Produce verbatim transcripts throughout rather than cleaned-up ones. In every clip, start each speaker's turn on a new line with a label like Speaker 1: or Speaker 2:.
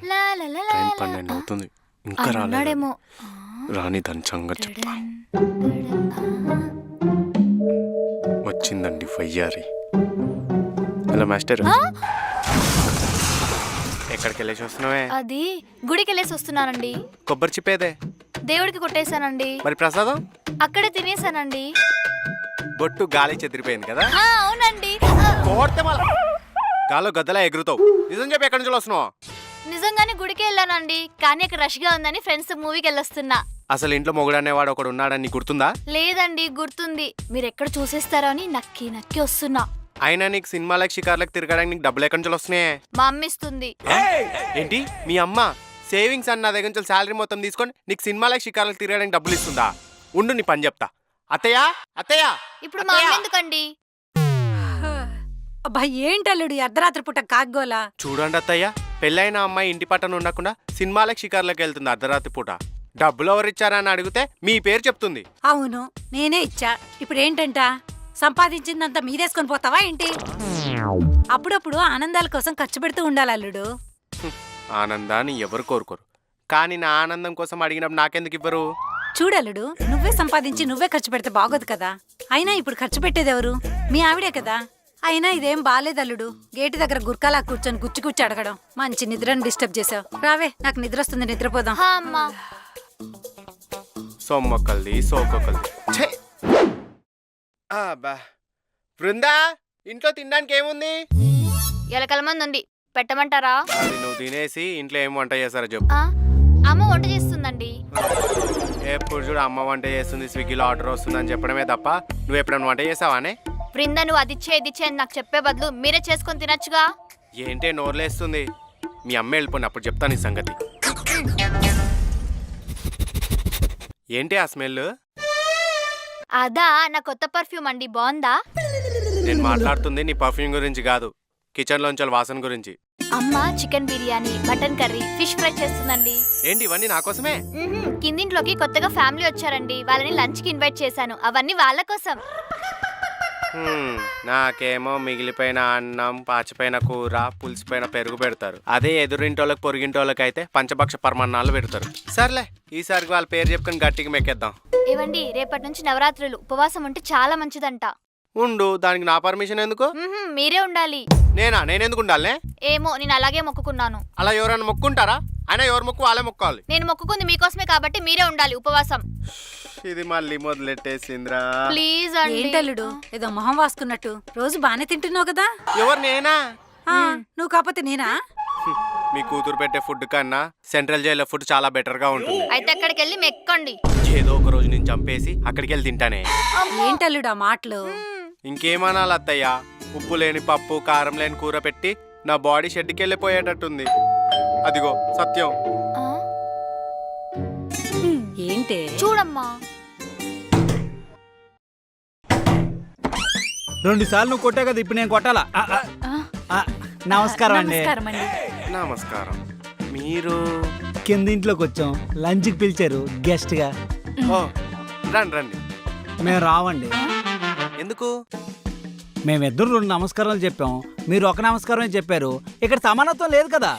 Speaker 1: Time పన్నెండు అవుతుంది, ఇంకా రాలేదేమో. రాని దాని సంగతి చెప్పా. వచ్చిందండి వయ్యారి. హలో మాస్టర్, ఎక్కడికి వెళ్ళేసి వస్తున్నావే?
Speaker 2: అది గుడికి వెళ్ళేసి వస్తున్నానండి.
Speaker 1: కొబ్బరి చిప్పేదే?
Speaker 2: దేవుడికి కొట్టేశానండి.
Speaker 1: మరి ప్రసాదం?
Speaker 2: అక్కడే తినేసానండి.
Speaker 1: బొట్టు గాలి చెదిరిపోయింది కదా?
Speaker 2: అవునండి.
Speaker 1: గాల్లో గద్దలా ఎగురుతావు. నిజం చెప్పి ఎక్కడి నుంచి వస్తున్నావు?
Speaker 2: నిజంగానే గుడికి వెళ్ళానండి, కానీ అక్కడ రష్ గా ఉందని ఫ్రెండ్స్ మూవీకి వెళ్ళొస్తున్నా.
Speaker 1: అసలు ఇంట్లో మొగుడు అనేవాడు ఒకడు ఉన్నాడని గుర్తుందా?
Speaker 2: లేదండి, గుర్తుంది. మీరు ఎక్కడ చూసేస్తారో అని నక్కి నక్కి వస్తున్నా.
Speaker 1: అయినా నీకు సినిమాలకు షికార్లకు తిరగడానికి నీకు డబ్బులు ఎక్కడి నుంచి వస్తున్నాయి?
Speaker 2: మా అమ్మ ఇస్తుంది.
Speaker 1: ఏంటి మీ అమ్మ సేవింగ్స్ అన్న దగ్గర నుంచి శాలరీ మొత్తం తీసుకొని నీకు సినిమాలకు షికార్లకు తిరగడానికి డబ్బులు ఇస్తుందా? ఉండు నీ పని చెప్తా. అత్తయ్య అత్తయ్య
Speaker 2: ఇప్పుడు మా అమ్మ ఎందుకండి?
Speaker 3: అబ్బా ఏంటల్లుడు అర్ధరాత్రి పూట కాగ్గోలా.
Speaker 1: చూడండి అత్తయ్య, పెళ్ళైన అమ్మాయి ఇంటి పట్టణ ఉండకుండా సినిమాలకు షికార్లకు వెళ్తుంది అర్ధరాత్రి పూట. డబ్బులు ఎవరిచ్చారని అడిగితే మీ పేరు చెప్తుంది.
Speaker 3: అవును నేనే ఇచ్చా. ఇప్పుడు ఏంటంట, సంపాదించిందంతా మీదేసుకొని పోతావా ఏంటి? అప్పుడప్పుడు ఆనందాల కోసం ఖర్చు పెడుతూ ఉండాలి అల్లుడు.
Speaker 1: ఆనందాన్ని ఎవరు కోరుకోరు, కానీ నా ఆనందం కోసం అడిగినప్పుడు నాకెందుకు ఇవ్వరు?
Speaker 3: చూడల్లుడు, నువ్వే సంపాదించి నువ్వే ఖర్చు పెడితే బాగోదు కదా. అయినా ఇప్పుడు ఖర్చు పెట్టేది ఎవరు? మీ ఆవిడే కదా. అయినా ఇదేం బాలేదు అల్లుడు. గేటు దగ్గర గుర్కాలా కూర్చొని గుచ్చి గుచ్చి అడగడం. మంచి నిద్రను డిస్టర్బ్ చేసావు. రావే, నాకు నిద్ర వస్తుంది, నిద్రపోదాం.
Speaker 1: సొమ్మొక్కల్ది సోకొక్కల్ది. బృందా, ఇంట్లో తినడానికి ఏముంది?
Speaker 2: ఎలకల మంది ఉంది, పెట్టమంటారా?
Speaker 1: నువ్వు తినేసి ఇంట్లో ఏం వంట చేస్తారో చెప్పు.
Speaker 2: అమ్మ వంట చేస్తుందండి.
Speaker 1: ఎప్పుడు చూడు అమ్మ వంట చేస్తుంది, స్విగ్గీలో ఆర్డర్ వస్తుందని చెప్పడమే తప్ప నువ్వు ఎప్పుడైనా వంట చేసావానే?
Speaker 2: బృంద, నువ్వు అది ఇచ్చే ఇది ఇచ్చే నాకు చెప్పే బదులు మీరే చేసుకొని తినచ్చుగా.
Speaker 1: ఏంటే నోర్లేస్తుంది? మీ అమ్మ వెళ్ళిపోయిన అప్పుడు చెప్తాను ఈ సంగతి. ఏంటి ఆ స్మెల్?
Speaker 2: అదా నా కొత్త పర్ఫ్యూమ్ అండి, బాగుందా?
Speaker 1: నేను మాట్లాడుతుంది నీ పర్ఫ్యూమ్ గురించి కాదు, కిచెన్ లోంచి వాసన గురించి.
Speaker 2: అమ్మ chicken biryani, mutton curry, fish fry చేస్తుందండి.
Speaker 1: ఏంటి ఇవన్నీ నా కోసమే?
Speaker 2: కిందింట్లోకి కొత్తగా ఫ్యామిలీ వచ్చారండి, వాళ్ళని లంచ్ కి ఇన్వైట్ చేశాను. అవన్నీ వాళ్ళ కోసం.
Speaker 1: నాకేమో మిగిలిపోయిన అన్నం, పాచిపోయిన కూర, పులిసిపోయిన పెరుగు పెడతారు. అదే ఎదురింటోళ్ళకి పొరిగింటోళ్ళకి అయితే పంచభక్ష పరమాన్నాలు పెడతారు. సర్లే, ఈసారికి వాళ్ళ పేరు చెప్పుకొని గట్టిగా మెక్కేద్దాం.
Speaker 2: ఏవండి, రేపటి నుంచి నవరాత్రులు, ఉపవాసం ఉంటే చాలా మంచిదంట.
Speaker 1: ఉండు, దానికి నా పర్మిషన్ ఎందుకు?
Speaker 2: మీరే ఉండాలి.
Speaker 1: నేనా? నేనెందుకు ఉండాలనే?
Speaker 2: ఏమో, నేను అలాగే మొక్కుకున్నాను.
Speaker 1: అలా ఎవరైనా మొక్కుంటారా? అయినా ఎవరు మొక్కు వాళ్ళే మొక్కాలి.
Speaker 2: నేను మొక్కుకుంది మీకోసమే కాబట్టి మీరే ఉండాలి ఉపవాసం.
Speaker 1: ఇది మళ్ళీ మొదలెట్టేసింద్రా.
Speaker 2: ప్లీజ్ అండి.
Speaker 3: ఏంటల్లుడు ఏదో మొహం వాసుకున్నట్టు? రోజు బానే తింటున్నావు కదా.
Speaker 1: ఎవరు? నేనా?
Speaker 3: నువ్వు కాకపోతే నేనా?
Speaker 1: మీ కూతురు పెట్టే ఫుడ్ కన్నా సెంట్రల్ జైల్లో ఫుడ్ చాలా బెటర్ గా ఉంటుంది.
Speaker 2: అయితే అక్కడికి వెళ్ళి మెక్కండి.
Speaker 1: ఏదో ఒక రోజు నేను చంపేసి అక్కడికి వెళ్ళి తింటానే.
Speaker 3: ఏంటల్లుడు ఆ మాటలు?
Speaker 1: ఇంకేమనాలి అత్తయ్య, ఉప్పు లేని పప్పు, కారం లేని కూర పెట్టి నా బాడీ షెడ్కి వెళ్ళిపోయేటట్టుంది. అదిగో సత్యం.
Speaker 3: ఏంటే?
Speaker 2: చూడమ్మా,
Speaker 4: రెండు సార్లు నువ్వు కొట్టావు కదా, ఇప్పుడు నేను కొట్టాలా? నమస్కారం అండి.
Speaker 1: నమస్కారం. మీరు
Speaker 4: కిందింట్లోకి వచ్చాం, లంచ్కి పిలిచారు గెస్ట్ గా.
Speaker 1: ఓ రండి రండి.
Speaker 4: మేము రావండి.
Speaker 1: ఎందుకు?
Speaker 4: మేమిద్దరు రెండు నమస్కారాలు చెప్పాం, మీరు ఒక నమస్కారమే చెప్పారు. ఇక్కడ సమానత్వం లేదు కదా.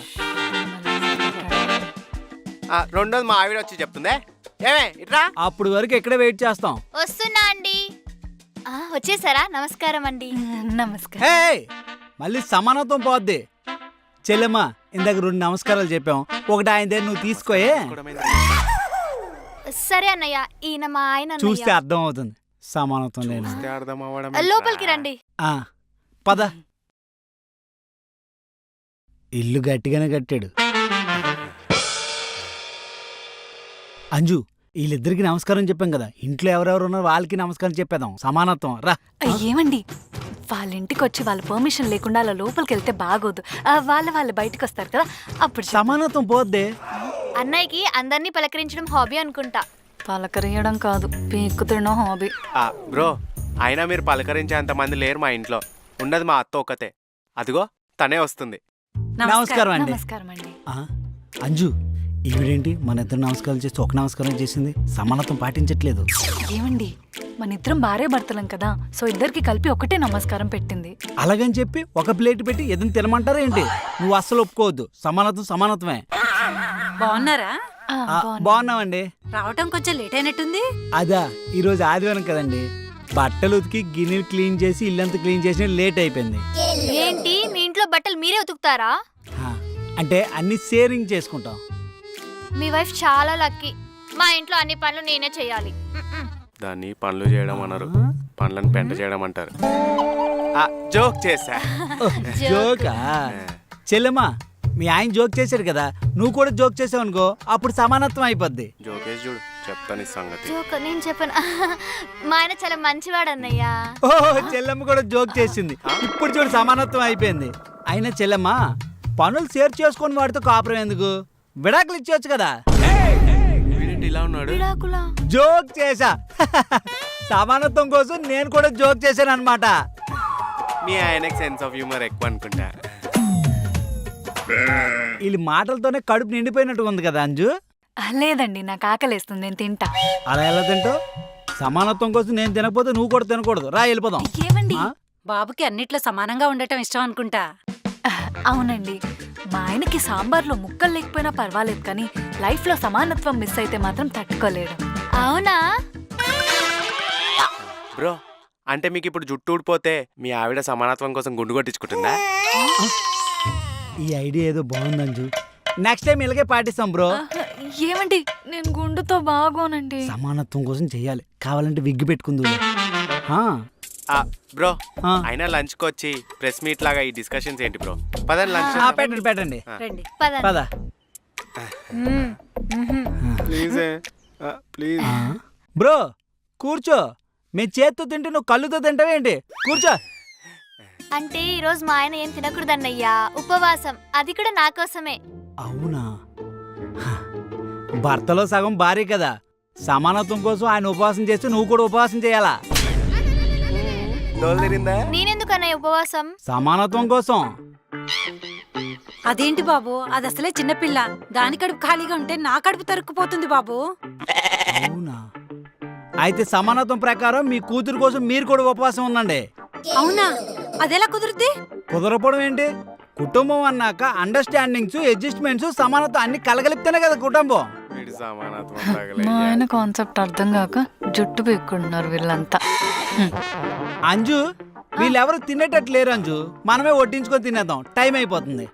Speaker 1: రెండోది మా ఆవిడ వచ్చి చెప్తుందే. ఏమే ఇట్రా.
Speaker 4: అప్పుడు వరకు ఇక్కడే వెయిట్ చేస్తాం.
Speaker 2: వస్తున్నా అండి. వచ్చేసారా? నమస్కారం అండి.
Speaker 3: నమస్కారం.
Speaker 4: హే, మళ్ళీ సమానత్వం పోద్ది. చెల్లెమ్మ, ఇందాక రెండు నమస్కారాలు చెప్పాం, ఒకటి ఆయన నువ్వు తీసుకోయే.
Speaker 2: సరే అన్నయ్య, ఈయన మా ఆయన.
Speaker 4: చూస్తే అర్థం అవుతుంది సమానత్వం లేదు.
Speaker 2: లోపలికి రండి.
Speaker 4: పద. ఇల్లు గట్టిగానే కట్టాడు. అంజు, వీళ్ళిద్దరికి నమస్కారం చెప్పాం కదా, ఇంట్లో ఎవరెవరు ఉన్నారో వాళ్ళకి నమస్కారం చెప్పేద్దాం. సమానత్వం రా.
Speaker 5: ఏమండి, వాళ్ళ ఇంటికి వచ్చి వాళ్ళ పర్మిషన్ లేకుండా అలా లోపలికి వెళ్తే బాగోదు. వాళ్ళ వాళ్ళు బయటకు వస్తారు కదా, అప్పుడు
Speaker 4: సమానత్వం పోద్దే.
Speaker 2: అన్నయ్యకి అందరినీ పలకరించడం హాబీ అనుకుంటా.
Speaker 5: పలకరియడం కాదు, పీక్కు తినడం హాబీ.
Speaker 1: బ్రో, అయినా మీరు పలకరించే అంత మంది లేరు మా ఇంట్లో. ఉన్నది మా అత్త ఒకతే. అదిగో తనే వస్తుంది.
Speaker 4: నమస్కారం అండి.
Speaker 5: నమస్కారం అండి.
Speaker 4: అంజు, ఈవిడేంటి మన ఇద్దరు నమస్కారం చేస్తే ఒక నమస్కారం చేసింది? సమానత్వం పాటించట్లేదు.
Speaker 5: ఏమండి, మన ఇద్దరం భార్య భర్తలం కదా, సో ఇద్దరికి కలిపి ఒకటే నమస్కారం పెట్టింది.
Speaker 4: అలాగని చెప్పి ఒక ప్లేట్ పెట్టి ఏదైనా తినమంటారా ఏంటి? నువ్వు అస్సలు ఒప్పుకోవద్దు. సమానత్వం సమానత్వమే.
Speaker 3: బాగున్నారా?
Speaker 5: ఆ,
Speaker 4: ఆ,
Speaker 5: బాగున్నా.
Speaker 4: బాగున్నామండి.
Speaker 3: రావటం కొంచెం లేట్ అయినట్టుంది.
Speaker 4: అదా ఈరోజు ఆదివారం కదండి, బట్టలు ఉతికి గిన్నెలు క్లీన్ చేసి ఇల్లంతా క్లీన్ చేసి లేట్ అయిపోయింది.
Speaker 2: ఏంటి మీ ఇంట్లో బట్టలు మీరే ఉతుకుతారా?
Speaker 4: ఆ, అంటే అన్ని షేరింగ్ చేసుకుంటాం.
Speaker 2: మీ వైఫ్ చాలా లక్కీ. మా ఇంట్లో అన్ని పనులు నేనే చేయాలి. మ్మ్.
Speaker 1: దాన్ని పనులు చేయడం అనరు, పనులను పెంట చేయడం అంటారు. ఆ, జోక్ చేసా.
Speaker 4: జోకా? చెల్లెమ్మా, మీ ఆయన జోక్ చేశాడు కదా, నువ్వు కూడా జోక్ చేసావు అనుకో, అప్పుడు సమానత్వం అయిపోద్ది.
Speaker 1: జోకేసి చూడు, చెప్తాను ఈ సంగతి.
Speaker 2: జోక్ నేను చెప్పను. మా ఆయన చాలా మంచివాడు అన్నయ్య.
Speaker 4: ఓహో, చెల్లెమ్మ కూడా జోక్ చేసింది. ఇప్పుడు చూడు సమానత్వం అయిపోయింది. అయినా చెల్లెమ్మ, పనులు షేర్ చేసుకొని వాడితో కాపురం ఎందుకు? విడాకులు ఇచ్చేవచ్చు కదా.
Speaker 1: వీడేంటి ఇలా ఉన్నాడు?
Speaker 2: విడాకులా?
Speaker 4: జోక్ చేశా. సమానత్వం కోసం నేను కూడా జోక్ చేశాను అనమాట.
Speaker 1: మీ ఆయనకి సెన్స్ ఆఫ్ హ్యూమర్ ఎక్కువ అనుకుంటా.
Speaker 4: వీళ్ళ మాటలతోనే కడుపు నిండిపోయినట్టు ఉంది కదా అంజు.
Speaker 5: ఆ, లేదండి, నాకు ఆకలేస్తుంది, నేను తింటా.
Speaker 4: అలా ఎలా తింటావు? సమానత్వం కోసం నేను తినకపోతే నువ్వు కూడా తినకూడదు. రా వెళ్ళిపోదాం.
Speaker 5: ఏమండి?
Speaker 4: ఆ?
Speaker 3: బాబుకి అన్నిట్లో సమానంగా ఉండటం ఇష్టం అనుకుంటా.
Speaker 5: ఆ, అవునండి. మా ఆయనకి సాంబార్లో ముక్కలు లేకపోయినా పర్వాలేదు, కానీ లైఫ్లో సమానత్వం మిస్ అయితే మాత్రం తట్టుకోలేడు.
Speaker 2: అవునా?
Speaker 1: బ్రో, అంటే మీకు ఇప్పుడు జుట్టు ఊడిపోతే మీ ఆవిడ సమానత్వం కోసం గుండు కొట్టించుకుంటుందా?
Speaker 4: ఈ ఐడియా ఏదో బాగుంది అంజు. నెక్స్ట్ టైం ఇలాగే పాటిస్తాం బ్రో.
Speaker 5: ఆ, ఏమండి, నేను గుండుతో బాగోనండి.
Speaker 4: సమానత్వం కోసం చెయ్యాలి. కావాలంటే విగ్గు పెట్టుకుందు.
Speaker 1: ఆ, బ్రో,
Speaker 4: ఆ.
Speaker 1: అయినా లంచ్కి వచ్చి ప్రెస్ మీట్ లాగా ఈ డిస్కషన్స్ ఏంటి బ్రో? పదండి లంచ్.
Speaker 4: పెట్టండి పెట్టండి.
Speaker 3: రండి.
Speaker 2: పదండి.
Speaker 4: పద.
Speaker 2: మ్మ్. మ్మ్.
Speaker 1: Please please.
Speaker 4: ఆ? బ్రో కూర్చో. మీ చేత్తో తింటే నువ్వు కళ్ళుతో తింటావేంటి? కూర్చో.
Speaker 2: అంటే ఈ రోజు మా ఆయన ఏం తినకూడదన్నయ్యా, ఉపవాసం. అది కూడా నా కోసమే.
Speaker 4: అవునా? హ. భర్తలో సగం భార్య కదా, సమానత్వం కోసం ఆయన ఉపవాసం చేస్తే నువ్వు కూడా ఉపవాసం చేయాలా?
Speaker 1: డోలు తిరిందా?
Speaker 2: నేనెందుకు అన్నయ్య ఉపవాసం?
Speaker 4: సమానత్వం కోసం.
Speaker 3: అదేంటి బాబు, అది అసలే చిన్నపిల్ల. దాని కడుపు ఖాళీగా ఉంటే నా కడుపు తరుక్కుపోతుంది బాబు.
Speaker 4: అవునా? అయితే సమానత్వం ప్రకారం మీ కూతురు కోసం మీరు కూడా ఉపవాసం ఉండండి.
Speaker 3: అవునా? అదెలా కుదురుద్ది?
Speaker 4: కుదరపోవడం ఏంటి? కుటుంబం అన్నాక అండర్స్టాండింగ్స్, అడ్జస్ట్మెంట్స్, సమానత్వం అన్ని కలగలిపితేనే కదా కుటుంబం.
Speaker 1: వీడి సమానత్వం
Speaker 5: మా
Speaker 1: తగలయ్యా.
Speaker 5: ఆయన కాన్సెప్ట్ అర్థం కాక జుట్టు పీక్కుంటున్నారు వీళ్ళంతా. హ్మ్.
Speaker 4: అంజు, వీళ్ళెవరు తినేటట్టు లేరు అంజు. మనమే వడ్డించుకొని తినేద్దాం, టైం అయిపోతుంది.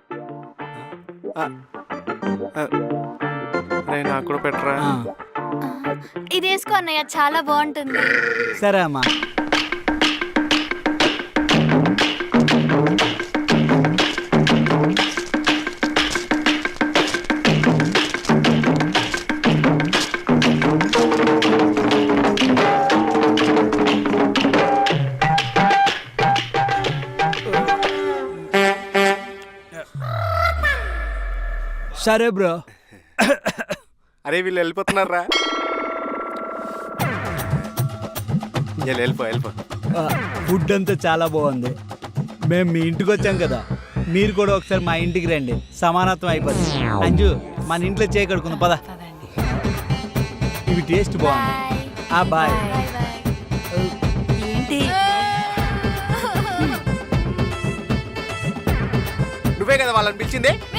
Speaker 1: రేయ్, నాకు కూడా పెట్టరా.
Speaker 4: ఆ,
Speaker 2: ఇది వేసుకో అన్నయ్య, చాలా బాగుంటుంది.
Speaker 4: సరే అమ్మా. సరే బ్రో.
Speaker 1: అరే వీళ్ళు వెళ్ళిపోతున్నారా? వెళ్ళి వెళ్ళిపో వెళ్ళిపో.
Speaker 4: ఆ, ఫుడ్ అంతా చాలా బాగుంది. మేము మీ ఇంటికి వచ్చాం కదా, మీరు కూడా ఒకసారి మా ఇంటికి రండి, సమానత్వం అయిపోతుంది. అంజు, మన ఇంట్లో చేయకడుకుంది పద.
Speaker 5: పదండి.
Speaker 4: ఇవి టేస్ట్ బాగుంది.
Speaker 2: బాయ్.
Speaker 4: ఆ బాయ్.
Speaker 2: Bye bye.
Speaker 3: ఏంటి?
Speaker 1: నువ్వే కదా వాళ్ళని పిలిచింది?